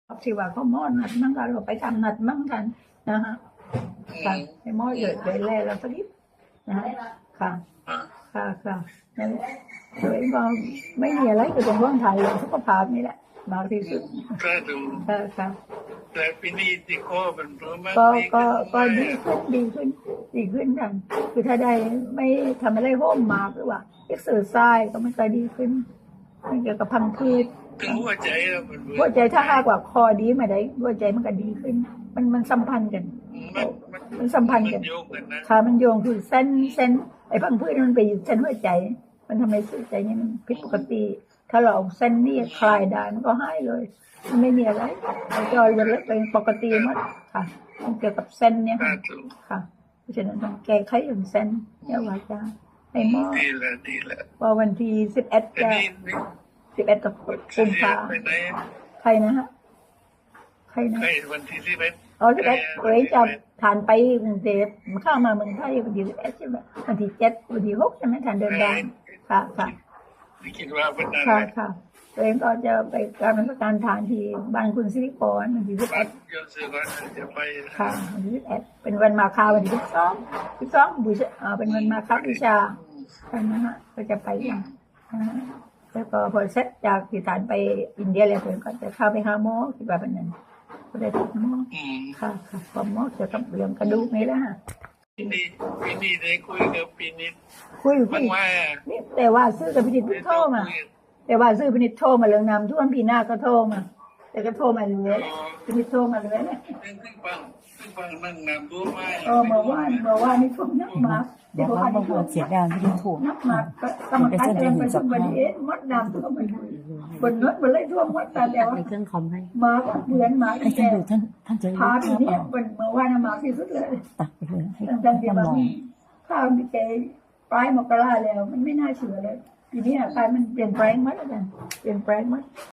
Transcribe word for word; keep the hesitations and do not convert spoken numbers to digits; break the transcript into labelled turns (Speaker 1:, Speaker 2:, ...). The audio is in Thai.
Speaker 1: ที่ว่าเขาหม้อนัดมั่งกันเราไปทำนัดมั่งกันนะฮะค่ะไอ้หม้อเยอะเลยแล่เราสักนิดนะฮะค่ะค่ะค่ะนั่นแหละเลยก็ไม่มีอะไรก็ต้องว่างถ่ายเรื่องสุขภาพนี่แหละมากที่สุด
Speaker 2: ก็ดู
Speaker 1: ค่ะค่ะ
Speaker 2: แต่ปีนี้ที่ข้อเป็นเพราะมัน
Speaker 1: ก็ก็ก็ดีขึ้นดีขึ้นดีขึ้นกันคือถ้าได้ไม่ทำอะไรโฮมมากหรือว่าเอ็กซ์เซอร์ไซส์ก็มันก็ดีขึ้นเกี่ยวกับพังพืช
Speaker 2: ถึงหัวใจแล้วมัน
Speaker 1: หัวใจถ้าหากว่าคอดีมาได้หัวใจมันก็ดีขึ้นมันมันสัมพันธ์กันมันสัมพันธ์กันค่ะมันโยงคือเส้นเส้นไอ้พังพืชมันไปอยู่เส้นหัวใจมันทำให้หัวใจนี่มันผิดปกติถ้าเราเอาเส้นนี่คลายได้มันก็หายเลยมันไม่มีอะไรเราจอยมันเล็กเป็นปกติหมดค่ะมันเกี่ยวกับเส้นเนี่ยค่ะเพราะฉะนั้นต้องแก้ไขอย่างเส้นเนี่ยว่าจะให้หมอ
Speaker 2: ดีแล้วดีแล้ว
Speaker 1: ว่าวันที่สิบเอ็ดจะสิบเอ็ดกับกุมภาใครนะฮะใครนะ
Speaker 2: ใครวันที่สิบเอ็ด
Speaker 1: อ๋อสิบเอ็ดเลยจะทานไปกรุงเทพมันเข้ามาเมืองไทยวันที่สิบเอ็ดใช่ไหมวันที่เจ็ดวันที่หกใช่ไหมทานเดินทางค่ะค่ะ
Speaker 2: คิดว่าเป็นอะไร
Speaker 1: ค่ะค่ะตัวเองก็จะไปการราชการทานที่บ้านคุณสิริพรวันที่สิบเอ็ดค่ะวันที่สิบเอ็ดเป็นวันมาฆาวันที่สิบสองสิบสองบูชาเป็นวันมาฆบูชาใช่ไหมฮะก็จะไปอย่างแล้วก็พอเสร็จจากที่ฐานไปอินเดียแล้วผมก็จะเข้าไปหาหมอคิดว่าเป็นนั้นก็ได้ติดหมอค่ะค่ะพอหมอจะกับเรื่องกระดูกนี่แหละฮะ
Speaker 2: ปีนี้ปีนี้ได้คุยกับปีนี้
Speaker 1: คุยคุยนี่แต่ว่าซื้อกับพินิจโทรมาแต่ว่าซื้อพินิจโทรมาเรื่องน้ำท่วมปีหน้าก็โทรมาแต่ก็โทรมาเลยพินิจโทรมาเลยเนี่ย
Speaker 2: ขึ้นฟังขึ้นฟังนั่งน้ำท่วมมา
Speaker 1: เออเมื่อวานเมื่อวานนี่ท่วมนักมา
Speaker 3: บอกว่าบางคนเสียดายที่ถูก
Speaker 1: นักมาก็กรรมการเองไปทุกวันนี้มดน้ำท่วมมันบนนู้นบนเลยท่วมมดแต่แต่ว่า
Speaker 3: เครื่องคอมให้
Speaker 1: มาเดือนมา
Speaker 3: ให้ท่านดูท่านท่านจะ
Speaker 1: พาปีนี้เป็นเมื่อวานมาที่สุดเลย
Speaker 3: ตัดไปเลยให้
Speaker 1: ท่านจะมองข้าวมีใจปลายมกราแล้วมันไม่น่าเชื่อเลยทีนี้อ่ะกลายมันเปลี่ยนแปลงมั้ยอาจารย์เปลี่ยนแปลงมั้ย